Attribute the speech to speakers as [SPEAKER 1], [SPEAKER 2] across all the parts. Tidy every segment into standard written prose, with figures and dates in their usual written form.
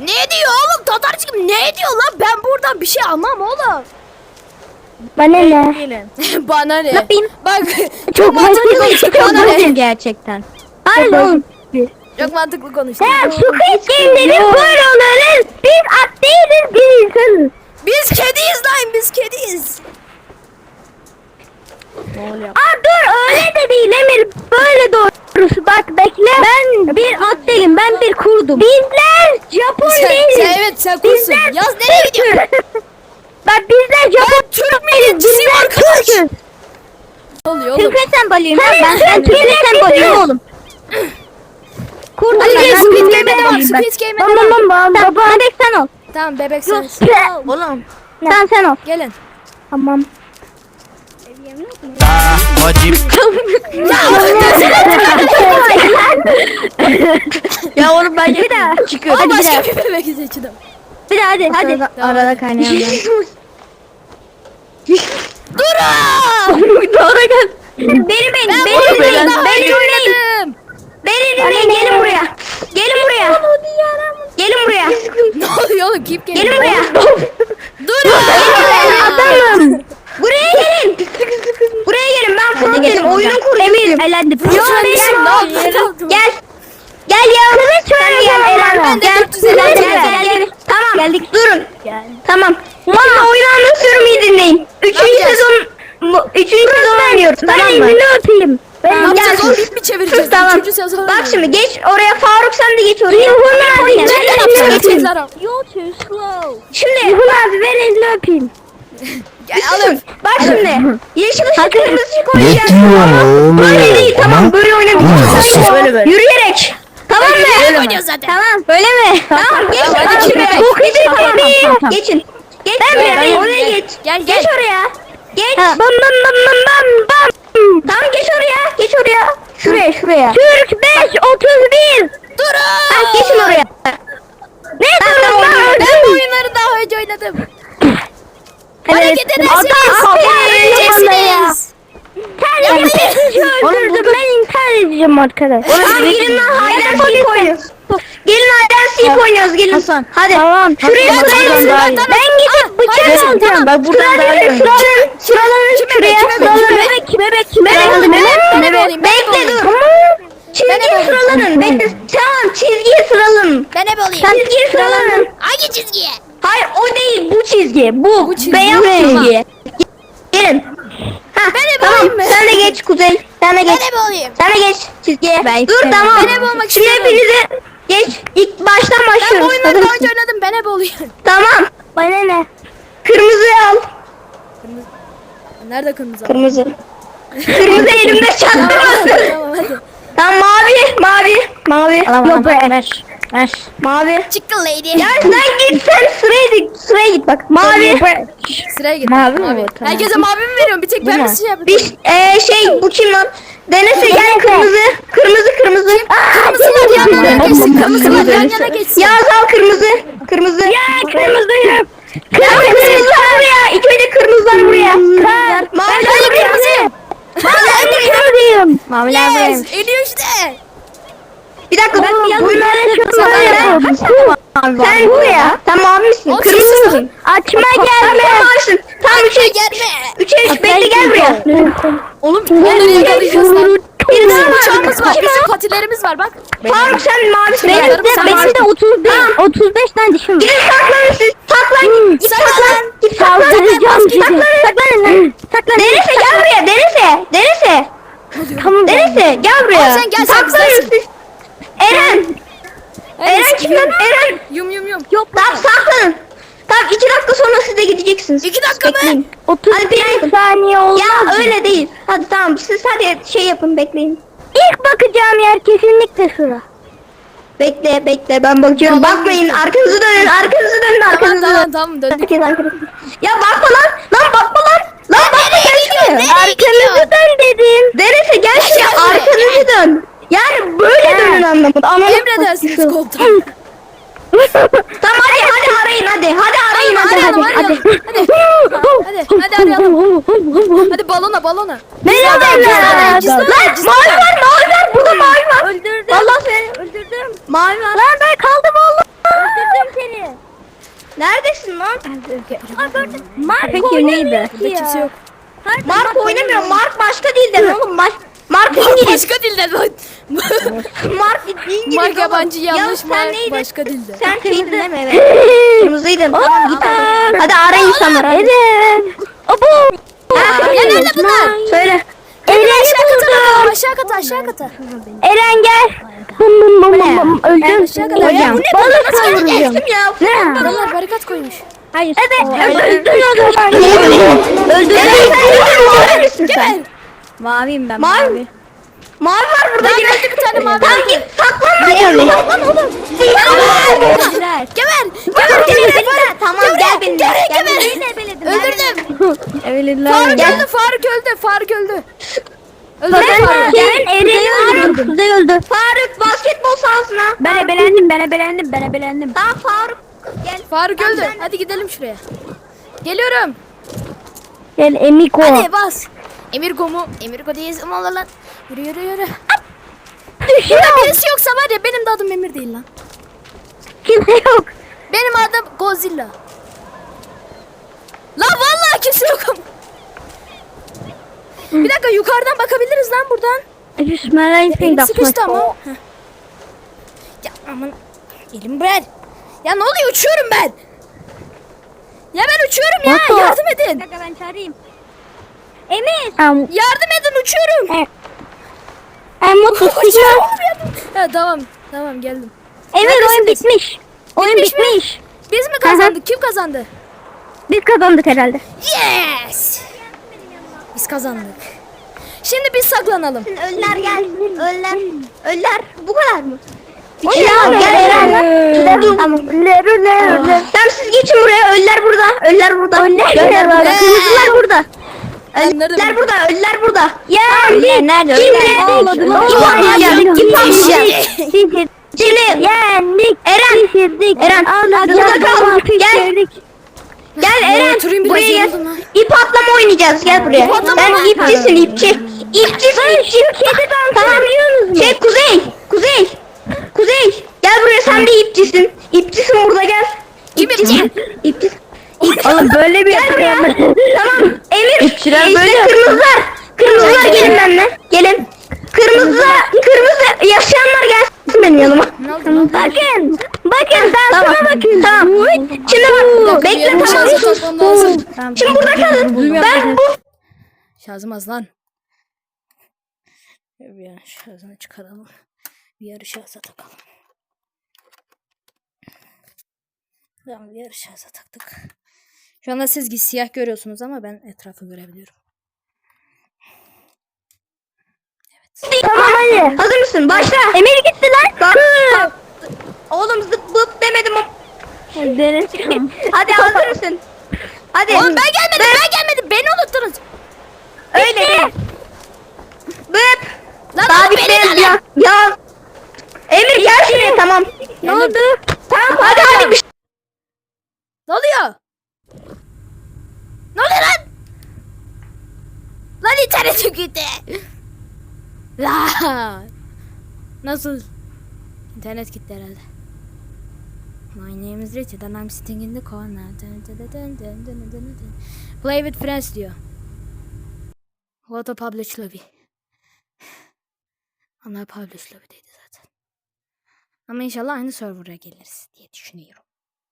[SPEAKER 1] Ne diyor oğlum? Tatarcığım ne diyor lan? Ben buradan bir şey almam oğlum.
[SPEAKER 2] Bana ne?
[SPEAKER 3] Gelin.
[SPEAKER 1] Bana ne?
[SPEAKER 2] yapayım?
[SPEAKER 1] Bak
[SPEAKER 2] Çok
[SPEAKER 1] mantıklı konuştu. Bana ne?
[SPEAKER 3] Gerçekten.
[SPEAKER 2] Hayır oğlum.
[SPEAKER 1] Çok mantıklı konuştu.
[SPEAKER 2] Sen Squid Game'lerin böyle olanız. Biz at değiliz, biz insanız.
[SPEAKER 1] Biz kediyiz lan, biz kediyiz.
[SPEAKER 3] Ne oluyor?
[SPEAKER 2] Aa dur öyle de değil Emir. Böyle doğrusu bak bekle. Ben bir at değilim, ben bir kurdum. Bizler Japon değiliz.
[SPEAKER 1] Evet sen kursun.
[SPEAKER 2] Bizler
[SPEAKER 1] Yaz nereye gidiyorsun?
[SPEAKER 2] Bak bizler Japon
[SPEAKER 1] Türk milliyetçisiyim
[SPEAKER 2] bizler
[SPEAKER 1] arkadaş.
[SPEAKER 2] Türk'üz.
[SPEAKER 1] Ne oluyor oğlum?
[SPEAKER 2] Türk sembolüyüm ben Türk sembolüyüm oğlum. Kurdum
[SPEAKER 1] Hadi
[SPEAKER 2] ben.
[SPEAKER 1] gel,
[SPEAKER 2] Ben
[SPEAKER 1] Squid
[SPEAKER 2] kurdum,
[SPEAKER 1] Game'e
[SPEAKER 2] ben
[SPEAKER 1] devam,
[SPEAKER 2] kurdum.
[SPEAKER 1] Squid Game'e
[SPEAKER 2] Tamam,
[SPEAKER 1] devam.
[SPEAKER 2] tamam, tamam. Bebek sen ol.
[SPEAKER 1] Tamam bebek sen.
[SPEAKER 3] Oğlum.
[SPEAKER 2] Sen ol.
[SPEAKER 1] Gelin.
[SPEAKER 2] Tamam.
[SPEAKER 4] Hacim.
[SPEAKER 3] Ya oğlum ben
[SPEAKER 2] Bir daha.
[SPEAKER 3] çıkıyorum.
[SPEAKER 1] Ama
[SPEAKER 2] Hadi bir daha.
[SPEAKER 1] başka bir bebek seçtim.
[SPEAKER 2] Bir daha hadi. Hadi.
[SPEAKER 3] Arada kaynayan ben.
[SPEAKER 1] Durun!
[SPEAKER 2] Doğru gel. Beni
[SPEAKER 1] Ben
[SPEAKER 2] beni
[SPEAKER 1] oyunu
[SPEAKER 2] beni
[SPEAKER 1] daha
[SPEAKER 2] beni
[SPEAKER 1] önce
[SPEAKER 2] dinleyin.
[SPEAKER 1] oynadım.
[SPEAKER 2] Beni dinleyin gelin buraya. Gelin buraya. Gelin buraya.
[SPEAKER 1] Ne oluyor oğlum? Kim geliyor?
[SPEAKER 2] Gelin buraya.
[SPEAKER 1] Durun!
[SPEAKER 2] Adamım. Buraya gelin. Buraya gelin ben Fırat dedim. Oyunun kurucusuyum. Emir elendim. Yo
[SPEAKER 1] Sen
[SPEAKER 2] benim.
[SPEAKER 1] ne yaptın?
[SPEAKER 2] Gel. Gel ya. Sen gel Eren.
[SPEAKER 1] Ben de
[SPEAKER 2] Gel.
[SPEAKER 1] 450
[SPEAKER 2] Gel. Tamam. Geldik. Durun. Tamam. Valla oyunu anlatıyorum iyi dinleyin. Üçüncü sezon oynuyoruz. Tamam mı? Ben elini öpeyim.
[SPEAKER 1] Ne yapacağız
[SPEAKER 2] Gel.
[SPEAKER 1] oğlum? İp mi çevireceğiz?
[SPEAKER 2] Tamam.
[SPEAKER 1] Üçüncü sezon
[SPEAKER 2] Bak
[SPEAKER 1] oynuyoruz.
[SPEAKER 2] şimdi geç oraya Faruk sen de geç oraya.
[SPEAKER 1] Ben de yapacağım. Geçecekler abi.
[SPEAKER 3] You're too slow.
[SPEAKER 2] Şimdi Yuhun abi ver elini öpeyim.
[SPEAKER 1] Gel alın.
[SPEAKER 2] Bak şimdi. Yeşil ışık kırmızı ışık
[SPEAKER 4] Ne
[SPEAKER 2] oynayacağız.
[SPEAKER 4] diyorsun oğlum?
[SPEAKER 2] Böyle değil tamam böyle oynamayacağız.
[SPEAKER 3] Böyle.
[SPEAKER 2] Yürüyerek. Tamam mı?
[SPEAKER 1] Böyle oynuyoruz zaten.
[SPEAKER 2] Tamam böyle mi? Tamam geç.
[SPEAKER 1] Tamam, hadi
[SPEAKER 2] Tamam,
[SPEAKER 1] şimdi.
[SPEAKER 2] şuraya. Çok iyi
[SPEAKER 3] Tamam,
[SPEAKER 2] tabii.
[SPEAKER 3] tamam.
[SPEAKER 2] Geçin. Geç
[SPEAKER 1] Gel,
[SPEAKER 2] buraya.
[SPEAKER 1] gel,
[SPEAKER 2] Oraya
[SPEAKER 1] gel.
[SPEAKER 2] geç.
[SPEAKER 1] Gel,
[SPEAKER 2] Geç
[SPEAKER 1] gel.
[SPEAKER 2] oraya. Geç. Bam bam bam bam bam bam. Tamam geç oraya. Geç oraya. Şuraya. Türk 531.
[SPEAKER 1] Durun!
[SPEAKER 2] Ha, geçin oraya. Ne durun lan?
[SPEAKER 1] Ben bu oyunları daha önce oynadım. Hareket edersiniz. Öleceksiniz.
[SPEAKER 2] Öldürdüm ben intihar edeceğim arkadaş. Gelin lan hayden sik oynuyoruz. Gelin hayden sik oynuyoruz gelin.
[SPEAKER 3] Hasan.
[SPEAKER 2] Hadi.
[SPEAKER 3] Tamam.
[SPEAKER 2] Şuraya
[SPEAKER 3] Hasan,
[SPEAKER 2] sırayın.
[SPEAKER 3] buradan daha iyi.
[SPEAKER 2] Ben gidip bıçak alacağım.
[SPEAKER 3] Ben buradan daha iyi oynuyorum.
[SPEAKER 2] Sıralanın şuraya. Sıralanın. Bekle dur. Çizgiye sıralanın. Bekle. Tamam çizgiye sıralanın.
[SPEAKER 1] Ben hep olayım.
[SPEAKER 2] Çizgiye sıralanın.
[SPEAKER 1] Hangi çizgiye?
[SPEAKER 2] Hayır o değil bu çizgi. Bu
[SPEAKER 1] çizgi.
[SPEAKER 2] beyaz
[SPEAKER 1] Tamam.
[SPEAKER 2] çizgi. Gelin. Ha, tamam.
[SPEAKER 1] olayım mı?
[SPEAKER 2] Sen de geç Kuzey. Sen de
[SPEAKER 1] Ben
[SPEAKER 2] geç.
[SPEAKER 1] hep olayım.
[SPEAKER 2] Sen de geç çizgiye.
[SPEAKER 3] Ben
[SPEAKER 2] Dur
[SPEAKER 3] istemem.
[SPEAKER 2] tamam.
[SPEAKER 1] Ben hep olmak
[SPEAKER 2] Şimdi
[SPEAKER 1] istiyorum.
[SPEAKER 2] hepinize geç. İlk baştan
[SPEAKER 1] Ben bu
[SPEAKER 2] başlıyoruz.
[SPEAKER 1] oyunları
[SPEAKER 2] Hazır
[SPEAKER 1] daha
[SPEAKER 2] mısın?
[SPEAKER 1] önce oynadım. Ben hep olayım.
[SPEAKER 2] Tamam. Bana ne? Kırmızıyı al.
[SPEAKER 1] Nerede kırmızı?
[SPEAKER 2] Kırmızı. Kırmızı elimde çaktırmasın.
[SPEAKER 1] Tamam hadi.
[SPEAKER 2] Tamam mavi. Yok be.
[SPEAKER 3] Ver.
[SPEAKER 2] Mavi.
[SPEAKER 1] Chicken lady.
[SPEAKER 2] Ya sen git sıraya git bak. Mavi.
[SPEAKER 1] Sıraya git.
[SPEAKER 3] Mavi mi bu? Tamam.
[SPEAKER 1] Herkese mavi mi veriyorum? Bir tek ben
[SPEAKER 3] mu?
[SPEAKER 1] mi şey yapıyorum?
[SPEAKER 2] Bir bu kim lan? Denese gel kırmızı. Kırmızı.
[SPEAKER 1] Kırmızılar yan yana geçsin. Kırmızılar yan yana geçsin.
[SPEAKER 2] Yağız al kırmızı. Ya kırmızıyım. Kırmızılar buraya. İlk önce kırmızılar buraya. Maviler
[SPEAKER 1] Ben
[SPEAKER 2] buraya.
[SPEAKER 1] kırmızıyım.
[SPEAKER 2] Kırmızıyım.
[SPEAKER 3] Maviler
[SPEAKER 1] Yes.
[SPEAKER 3] buraymış.
[SPEAKER 1] Ediyor işte.
[SPEAKER 2] Bir dakika
[SPEAKER 3] Mavi
[SPEAKER 2] Sen buraya. Sen mavi misin?
[SPEAKER 1] Oğlum,
[SPEAKER 2] Kırmızı
[SPEAKER 1] sessiz
[SPEAKER 2] mısın? Açma gelme. Sen mavisin. Tamam
[SPEAKER 1] Açma gelme.
[SPEAKER 2] 3'e 3 bekle gel buraya.
[SPEAKER 1] Oğlum onları yakalayacağız lan.
[SPEAKER 2] Bir daha
[SPEAKER 1] Bizim
[SPEAKER 2] var.
[SPEAKER 1] uçağımız var. Bizim patilerimiz var bak.
[SPEAKER 2] Faruk sen mavisin.
[SPEAKER 1] Benim de
[SPEAKER 2] 35 tane dişim var. Gidin saklanın siz. Saklan. Git saklan. Git saklan. Saklanın. Denese gel buraya. Denese. Tamam. Denese gel buraya.
[SPEAKER 1] Oğlum sen gel, sen
[SPEAKER 2] Saklanın
[SPEAKER 1] bizdensin.
[SPEAKER 2] siz. Eren. Eren kim lan? Eren.
[SPEAKER 1] Yum.
[SPEAKER 2] Yok tamam saklanın. Tamam 2 dakika sonra siz de gideceksiniz.
[SPEAKER 1] 2 dakika mı?
[SPEAKER 2] Bekleyin. 30 saniye olmaz. Ya öyle değil. Hadi tamam siz hadi şey yapın bekleyin. İlk bakacağım yer kesinlikle şura. Bekle ben bakıyorum.
[SPEAKER 1] Tamam.
[SPEAKER 2] Bakmayın arkanızı dönün.
[SPEAKER 1] Tamam döndük.
[SPEAKER 2] Herkes arkanızı. Ya bakma lan. Lan bakma lan. Lan bakma gel şuraya.
[SPEAKER 1] Nereye gidiyor?
[SPEAKER 2] Arkanızı dön dedim. Denese gel şuraya arkanızı dön. Yani böyle dönün anlamında.
[SPEAKER 1] Emredersiniz komutanım.
[SPEAKER 2] Tamam hadi arayın hadi. Hadi arayın hadi.
[SPEAKER 1] Arayalım. Hadi arayalım. Hadi balona.
[SPEAKER 2] Nereye
[SPEAKER 1] Gizlen.
[SPEAKER 2] Lan mavi var burada mavi var.
[SPEAKER 3] Öldürdüm.
[SPEAKER 2] Vallahi seni öldürdüm. Mavi var. Lan ben kaldım oğlum. Öldürdüm lan.
[SPEAKER 3] Peki neydi?
[SPEAKER 1] Burada kimse yok.
[SPEAKER 2] Mark oynamıyor. Mark başka dilden oğlum. Mark İngiliz.
[SPEAKER 1] Başka dilde lan.
[SPEAKER 2] Mark İngiliz.
[SPEAKER 1] Mark
[SPEAKER 2] oğlum.
[SPEAKER 1] yabancı
[SPEAKER 2] Ya
[SPEAKER 1] yanlış
[SPEAKER 2] sen
[SPEAKER 1] Mark
[SPEAKER 2] neydin?
[SPEAKER 1] başka dilde.
[SPEAKER 2] Sen şeydin değil mi? Evet. Kırmızıydın. Tamam git. Hadi ara insanları. Hadi.
[SPEAKER 3] Eren. Abo.
[SPEAKER 1] Ya nerede bunlar?
[SPEAKER 2] Söyle.
[SPEAKER 1] Gelin aşağı kata bakalım. Aşağı kata aşağı kata.
[SPEAKER 3] Eren gel. Bum bum bum bum bum. Öldüm.
[SPEAKER 1] Aşağı kata. Ya
[SPEAKER 3] Hocam.
[SPEAKER 1] bu ne?
[SPEAKER 3] Balık
[SPEAKER 2] Nasıl
[SPEAKER 3] kavuracağım.
[SPEAKER 2] geçtim ya?
[SPEAKER 3] Ne?
[SPEAKER 1] Adamlar barikat koymuş.
[SPEAKER 3] Hayır.
[SPEAKER 2] Evet.
[SPEAKER 3] Öldüm.
[SPEAKER 1] Geber.
[SPEAKER 3] Maviyim ben.
[SPEAKER 2] Mavi. Mavi var burada
[SPEAKER 1] Ben
[SPEAKER 2] yine.
[SPEAKER 1] öldü bir tane mavi.
[SPEAKER 2] Tamam git saklanma. Saklan oğlum.
[SPEAKER 1] Geber.
[SPEAKER 2] Tamam gel benimle. Gel
[SPEAKER 1] Öldürdüm.
[SPEAKER 3] Evliler.
[SPEAKER 1] Faruk öldü. Faruk öldü. Öldürdüm Faruk.
[SPEAKER 3] Eren'i öldürdüm. Kuzey öldü.
[SPEAKER 2] Faruk basketbol sahasına.
[SPEAKER 3] Ben ebelendim.
[SPEAKER 2] Tamam Faruk. Gel.
[SPEAKER 1] Faruk
[SPEAKER 2] Tamam,
[SPEAKER 1] öldü.
[SPEAKER 2] sen-
[SPEAKER 1] Hadi gidelim şuraya. Geliyorum.
[SPEAKER 3] Gel Emiko.
[SPEAKER 1] Hadi bas. Emirgo mu? Emirgo değiliz ama lan. Yürü.
[SPEAKER 3] Düşüyor.
[SPEAKER 1] Burada birisi yoksa var ya benim de adım Emir değil lan.
[SPEAKER 3] Kimse yok.
[SPEAKER 1] Benim adım Godzilla. Lan vallahi kimse yok ama. Bir dakika yukarıdan bakabiliriz lan buradan. Elim sıkıştı ama. Heh. Ya aman. Elim ver. Ya ne oluyor uçuyorum ben. Ya ben uçuyorum ya.
[SPEAKER 3] Nasıl?
[SPEAKER 1] Yardım edin.
[SPEAKER 3] Ben çağırayım. Emir.
[SPEAKER 1] Yardım edin uçuyorum.
[SPEAKER 3] Mutlu
[SPEAKER 1] Uçuyorum oğlum yardım. Ha, tamam geldim.
[SPEAKER 3] Emir oyun
[SPEAKER 1] Neredesiniz?
[SPEAKER 3] bitmiş. Oyun
[SPEAKER 1] Bitmiş mi?
[SPEAKER 3] bitmiş.
[SPEAKER 1] Biz mi kazandık? Kim kazandı?
[SPEAKER 3] Biz kazandık herhalde.
[SPEAKER 1] Yes. Biz kazandık. Şimdi biz saklanalım.
[SPEAKER 2] Öller gel. Öller. Bu kadar mı?
[SPEAKER 3] Ya
[SPEAKER 2] Gel Eren.
[SPEAKER 3] Tamam.
[SPEAKER 2] Tamam siz geçin buraya. Öller burada. Öller burada. Öller burada. Kırmızılar burada.
[SPEAKER 1] Nerede
[SPEAKER 2] Öller
[SPEAKER 1] bu?
[SPEAKER 2] burada. Öller burada.
[SPEAKER 3] Ya nerede?
[SPEAKER 2] Şimdi
[SPEAKER 3] Yendik.
[SPEAKER 2] Eren burada kal. Gel Eren
[SPEAKER 1] oturayım biraz,
[SPEAKER 2] buraya gel.
[SPEAKER 1] yoruldum ha.
[SPEAKER 2] İp atlama oynayacağız. Gel buraya.
[SPEAKER 1] atlama
[SPEAKER 2] Sen
[SPEAKER 1] mı?
[SPEAKER 2] ipçisin ipçi. İpçisin. Tamam. Şey Kuzey. Gel buraya sen de ipçisin. İpçisin burada gel.
[SPEAKER 1] Kim
[SPEAKER 2] İpçi.
[SPEAKER 3] Oğlum böyle bir
[SPEAKER 2] Tamam. Emir.
[SPEAKER 3] İpçiler
[SPEAKER 2] işte
[SPEAKER 3] böyle.
[SPEAKER 2] Kırmızılar gelin benimle. Gelin. Kırmızı yaşayanlar gelsin benim yanıma.
[SPEAKER 1] Ne oldu lan?
[SPEAKER 3] Bakın
[SPEAKER 2] Tamam. Tamam. Şimdi bak. Bekle
[SPEAKER 1] Benim
[SPEAKER 2] tamam.
[SPEAKER 1] şarjı takmam lazım.
[SPEAKER 2] Şimdi burada kalın. Ben bu
[SPEAKER 1] Şarjım az lan. Bir an şarjını çıkaralım. Bir yarı şarja takalım. Tamam bir yarı şarja taktık. Şu anda siz siyah görüyorsunuz ama ben etrafı görebiliyorum.
[SPEAKER 2] tamam hadi. Hazır mısın? Başla.
[SPEAKER 3] Emir gitti lan.
[SPEAKER 2] Oğlum zıp bıp demedim.
[SPEAKER 3] Deniz.
[SPEAKER 2] Hadi hazır mısın? Hadi.
[SPEAKER 1] Oğlum ben gelmedim. Beni unuttunuz.
[SPEAKER 2] Öyle değil. Bıp.
[SPEAKER 1] Lan
[SPEAKER 2] Daha
[SPEAKER 1] oğlum
[SPEAKER 2] bitmedi
[SPEAKER 1] beni
[SPEAKER 2] ya. Ya. Emir gel şuraya tamam.
[SPEAKER 3] Ne oldu?
[SPEAKER 2] Tamam hadi bir
[SPEAKER 1] Ne oluyor? Ne oluyor lan? Lan internetim gitti. Lan. Nasıl? İnternet gitti herhalde. My name is Richard and I'm sitting in the corner. Play with friends diyor. Auto publish lobby. Onlar publish lobby'deydi zaten. Ama inşallah aynı server'a geliriz diye düşünüyorum.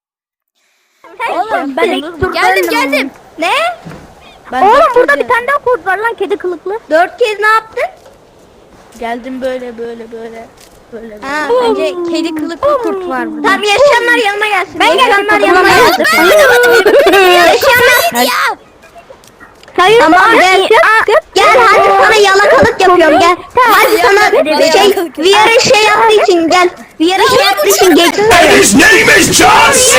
[SPEAKER 3] Oğlum ben
[SPEAKER 1] Geldim.
[SPEAKER 2] Ne?
[SPEAKER 3] Oğlum burada bir tane daha kurt var lan kedi kılıklı.
[SPEAKER 2] 4 kez ne yaptın?
[SPEAKER 3] Geldim böyle.
[SPEAKER 2] Ha,
[SPEAKER 3] Bence kedi kılıklı kurt var burada.
[SPEAKER 2] Tamam yaşayanlar yanıma gelsin.
[SPEAKER 3] Ben
[SPEAKER 2] Yaşayanlar
[SPEAKER 3] geldim.
[SPEAKER 2] yanıma gelsin. Yaşayanlar.
[SPEAKER 1] Ya.
[SPEAKER 3] Hayır.
[SPEAKER 2] Tamam gel hadi sana yalakalık yapıyorum gel. Hadi sana şey VR'ın şey yaptığı için gel. VR'ın şey yaptığı için geçsin.
[SPEAKER 4] His name is John C.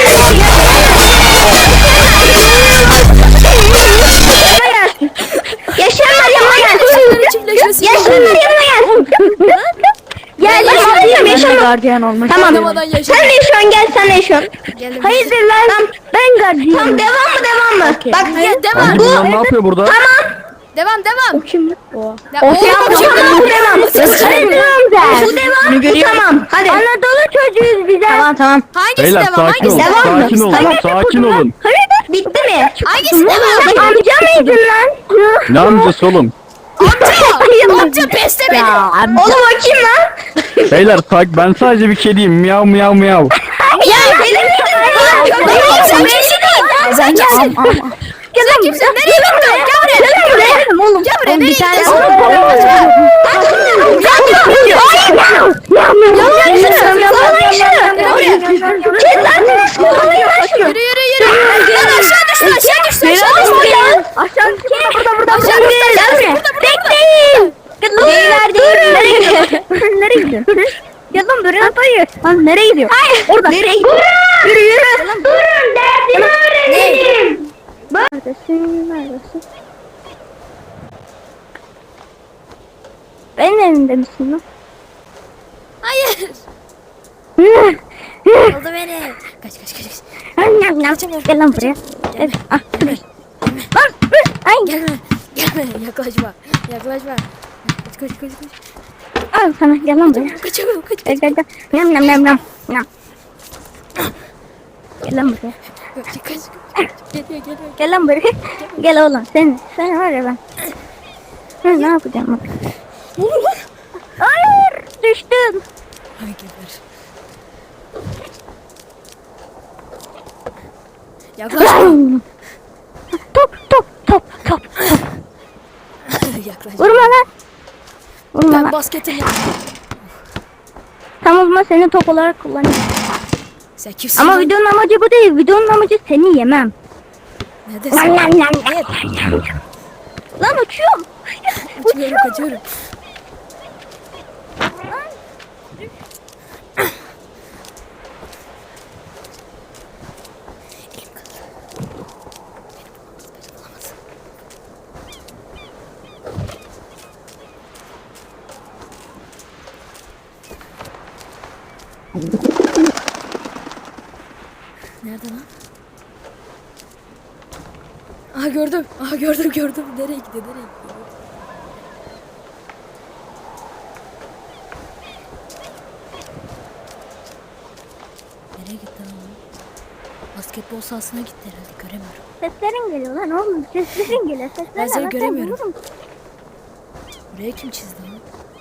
[SPEAKER 2] Yaşayanlar yanıma gelsin. Yaşayanlar yanıma gelsin. Gel yaşayanlar.
[SPEAKER 3] Gardiyan olmak.
[SPEAKER 2] Tamam.
[SPEAKER 1] Yaşamadan yaşa.
[SPEAKER 2] Sen de yaşıyorsun gel sen de yaşıyorsun.
[SPEAKER 1] Geldim.
[SPEAKER 3] Hayırdır lan? Ben gardiyanım.
[SPEAKER 2] Tamam devam mı? Bak
[SPEAKER 1] Hayır devam.
[SPEAKER 4] Bunlar ne yapıyor burada?
[SPEAKER 2] tamam.
[SPEAKER 1] Devam.
[SPEAKER 2] O kim lan?
[SPEAKER 1] Ya,
[SPEAKER 2] O devam. Bu devam. Bu devam. Bu tamam. Hadi.
[SPEAKER 3] Anadolu çocuğuyuz bize.
[SPEAKER 2] Tamam.
[SPEAKER 1] Hangisi
[SPEAKER 4] Beyler
[SPEAKER 1] devam?
[SPEAKER 4] sakin olun.
[SPEAKER 1] Hangisi devam?
[SPEAKER 4] Sakin olun.
[SPEAKER 2] Tamam.
[SPEAKER 4] Sakin olun.
[SPEAKER 2] Bitti mi?
[SPEAKER 1] Hangisi devam?
[SPEAKER 3] Sen amca mıydın lan?
[SPEAKER 4] Ne amcası oğlum?
[SPEAKER 1] Amca peste beni.
[SPEAKER 2] Oğlum o kim lan?
[SPEAKER 4] Beyler ben sadece bir kediyim. Miyav miyav miyav.
[SPEAKER 2] Ya benim
[SPEAKER 1] Sen kimsin? Sen kimsin? Sen kimsin? Nereye gittin? Gel buraya.
[SPEAKER 2] oğlum.
[SPEAKER 1] Gel buraya. Nereye
[SPEAKER 3] bir tane
[SPEAKER 1] gittin? Yürü. Lan aşağı düştü.
[SPEAKER 3] Aşağı burada.
[SPEAKER 1] Aşağı düştü.
[SPEAKER 2] Bekleyin. Nereye gidiyorsun?
[SPEAKER 3] Nereye gidiyorsun? Gel lan buraya dayı. Lan nereye gidiyor?
[SPEAKER 2] Hayır.
[SPEAKER 3] Orada.
[SPEAKER 2] Nereye gidiyorsun? Yürü. Durun derdimi öğrenelim.
[SPEAKER 3] Neredesin? Benim evimde misin lan?
[SPEAKER 1] Hayır. Oldu beni. Kaç.
[SPEAKER 3] Gel lan buraya. Gel. Ah. Lan. Ay.
[SPEAKER 1] Gelme. Yaklaşma. Kaç.
[SPEAKER 3] Al sana gel lan buraya.
[SPEAKER 1] Kaçamıyorum. Kaç.
[SPEAKER 3] Gel. Nam. Gel lan buraya.
[SPEAKER 1] Geliyor.
[SPEAKER 3] Gel lan buraya. Gel oğlum sen var ya ben. Ne yapacağım bak.
[SPEAKER 1] Olur lan.
[SPEAKER 3] Hayır düştüm.
[SPEAKER 1] Ay geber. Yaklaşma.
[SPEAKER 3] Top.
[SPEAKER 1] Yaklaşma.
[SPEAKER 3] Vurma lan. Vurma
[SPEAKER 1] Ben
[SPEAKER 3] lan.
[SPEAKER 1] basketim.
[SPEAKER 3] Tamam ama seni top olarak kullanayım.
[SPEAKER 1] Sen kimsin?
[SPEAKER 3] Ama
[SPEAKER 1] lan?
[SPEAKER 3] videonun amacı bu değil. Videonun amacı seni yemem.
[SPEAKER 1] Neredesin?
[SPEAKER 3] Lan.
[SPEAKER 1] Evet.
[SPEAKER 3] Lan uçuyorum.
[SPEAKER 1] Kaçıyorum. Nerede lan? Aha gördüm. Nereye gidiyor? Nereye gitti lan? Basketbol sahasına gitti herhalde. Göremiyorum.
[SPEAKER 3] Seslerin geliyor lan oğlum. Seslerin geliyor.
[SPEAKER 1] Ben seni
[SPEAKER 3] Bak,
[SPEAKER 1] göremiyorum.
[SPEAKER 3] vururum.
[SPEAKER 1] Buraya kim çizdi lan?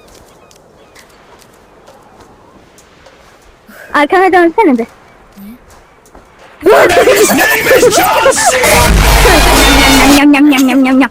[SPEAKER 3] Arkana dönsene de.
[SPEAKER 4] Neymiş John Cena?
[SPEAKER 3] Yam.